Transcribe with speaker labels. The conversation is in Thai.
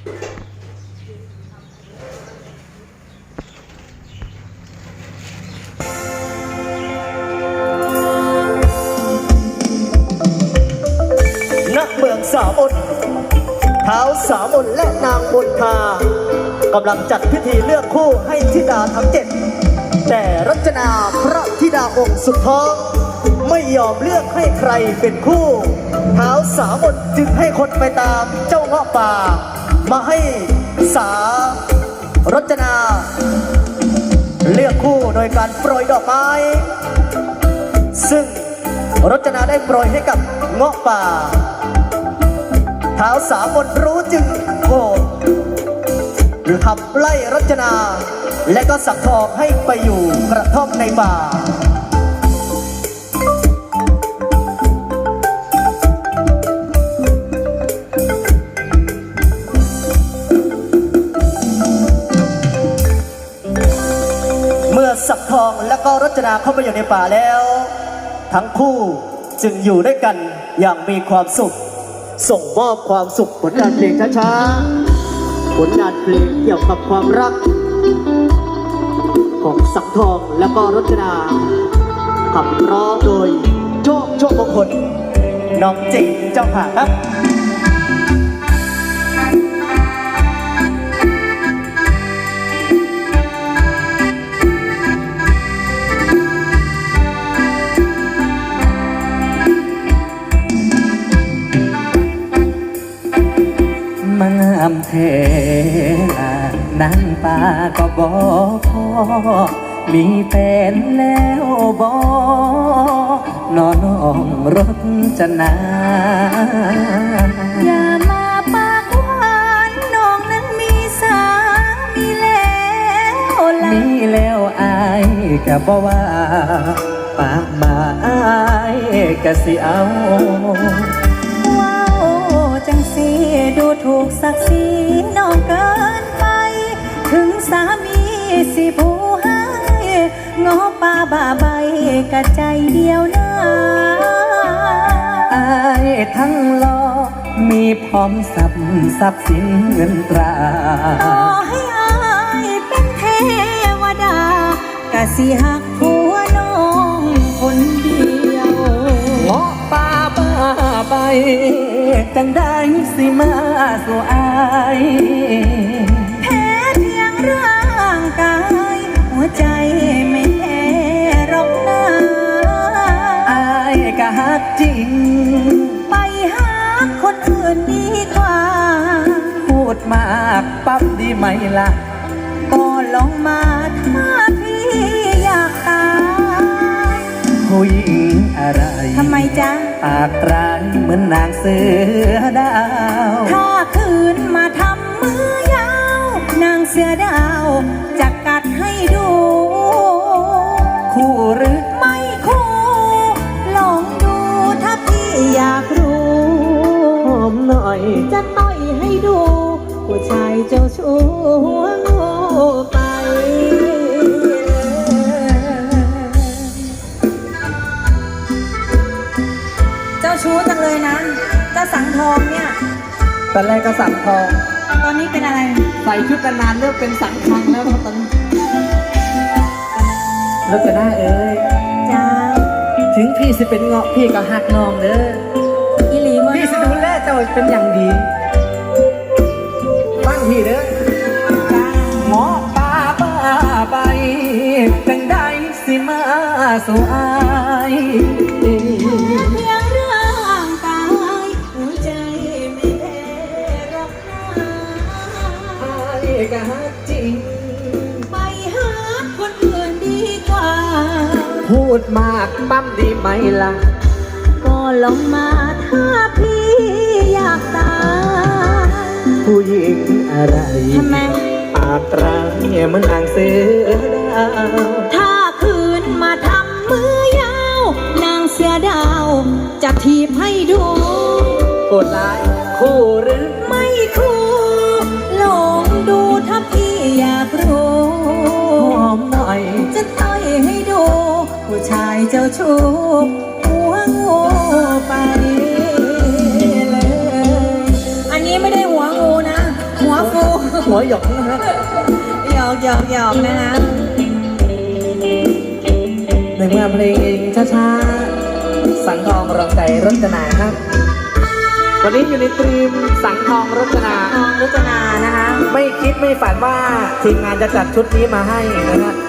Speaker 1: ณ เมืองสามนท้าวสามนและนางมนทากำลังจัดพิธีเลือกคู่ให้ธิดาทั้ง7แต่รจนาพระธิดาองค์สุดท้องไม่ยอมเลือกให้ใครเป็นคู่ท้าวสามนจึงให้คนไปตามเจ้าเงาะป่ามาให้สารจนาเลือกคู่โดยการโปรยดอกไม้ซึ่งรจนาได้โปรยให้กับเงาะป่าท้าวสามนรู้จึงโกรธขับไล่รจนาและก็สั่งทองให้ไปอยู่กระท่อมในป่าเมื่อสักทองและก็รจนาเข้าไปอยู่ในป่าแล้วทั้งคู่จึงอยู่ด้วยกันอย่างมีความสุขส่งมอบความสุขผลงานเพลงช้าๆผลงานเพลงเกี่ยวกับความรักของสังทองและก็รจนาขับร้องโดยโชคมงคลน้องจิงเจ้าค่ะครับ
Speaker 2: มังอำเทนั่งป่าก็บอกพอมีแฟนแล้วบอกนอนน้องรถจะนา
Speaker 3: อย่ามาปากหวานน้องนั้นมีสามีแล้วล่ะ
Speaker 2: มีแล้วอายก็บอกว่าปากมาอายก็สิเอา
Speaker 3: ว้าวจังสีดูถูกศักดิ์ศรีน้องเกินไปถึงสามีสิผู้ให้งอป่าบ่าใบกะใจเดียวนะ
Speaker 2: อายทั้งหล่อมีพร้อมทรัพย์สินเงินตรา
Speaker 3: ต่อให้อายเป็นเทวดากะสิหักผัวน้องคนเดียว
Speaker 2: งอป่าบ้าใบจังได้สิมาสู่อาย
Speaker 3: แพ้เพียงร่างกายหัวใจไม่แพ้หรอกนะ
Speaker 2: อายก็ฮักจริง
Speaker 3: ไปหาคนอื่นดีกว่า
Speaker 2: พูดมากปั๊บดีไหมล่ะ
Speaker 3: ก็ลองมาถ้าพี่อยากตาย
Speaker 2: ผู้หญิงอะไร
Speaker 3: ทำไมจ๊ะ
Speaker 2: ปากร้ายเหมือนนางเสือดาว
Speaker 3: ถ้าคืนมาทำมือยาวนางเสือดาวจะกัดให้ดู
Speaker 2: คู่หรือ
Speaker 3: ไม่คู่ลองดูถ้าพี่อยากรู้
Speaker 2: หอมหน่อย
Speaker 3: จะต่อยให้ดูผู้ชายเจ้าชู้หัวงูไปเจ้าชู้จังเลยนะเจ้าสังทองเนี่ย
Speaker 2: ตอนแรกก็สังทอง
Speaker 3: ตอนนี้เป็นอะไร
Speaker 2: ใส่ชุดนานเริ่มเป็นสังคังแล้วครับตอนนี้แล้วจะได้
Speaker 3: จ้า
Speaker 2: ถึงพี่สิเป็นเงาะพี่ก็หักน้องเด้อ
Speaker 3: อีหลีว่า
Speaker 2: พี่สิดูแลเจ้าเป็นอย่างดีฟังพี่เด้อ
Speaker 3: จ้า
Speaker 2: เงาะป่าบ้าใบจังได้สิมาสู่อาย
Speaker 3: เพียงร่างกายหัวใจไม่แพ้หรอกนะ
Speaker 2: อายก็ฮักจริง
Speaker 3: ไปหาคนอื่นดีกว่า
Speaker 2: พูดมากปั๊มดีไหมล่ะ
Speaker 3: ก็ลองมาถ้าพี่อยากตาย
Speaker 2: ผู้หญิงอะไร
Speaker 3: ทำไม
Speaker 2: ปากร้ายเหมือนนางเสือดาว
Speaker 3: ถ้าคืนมาทำมือยาวนางเสือดาวจะทีบให้ดู
Speaker 2: โกรธร้ายคู่หรือ
Speaker 3: ไม่คู่ลองดูถ้าพี่อยากรู้
Speaker 2: หอมหน่อย
Speaker 3: จะต่อยให้ดูผู้ชายเจ้าชู้หัวงูไปเลยอันนี้ไม่ได้หัวงูนะหัว
Speaker 2: หัวหยอกนะฮะ
Speaker 3: หยอกหยอกหยอกนะคะ
Speaker 2: ในเมื่อเพลงช้าๆสังทองรองใจรจนาครับ วันนี้อยู่ในตรีมสังทองรจนา
Speaker 3: ทองรจนานะคะ
Speaker 2: ไม่คิดไม่ฝันว่าทีมงานจะจัดชุดนี้มาให้นะฮะ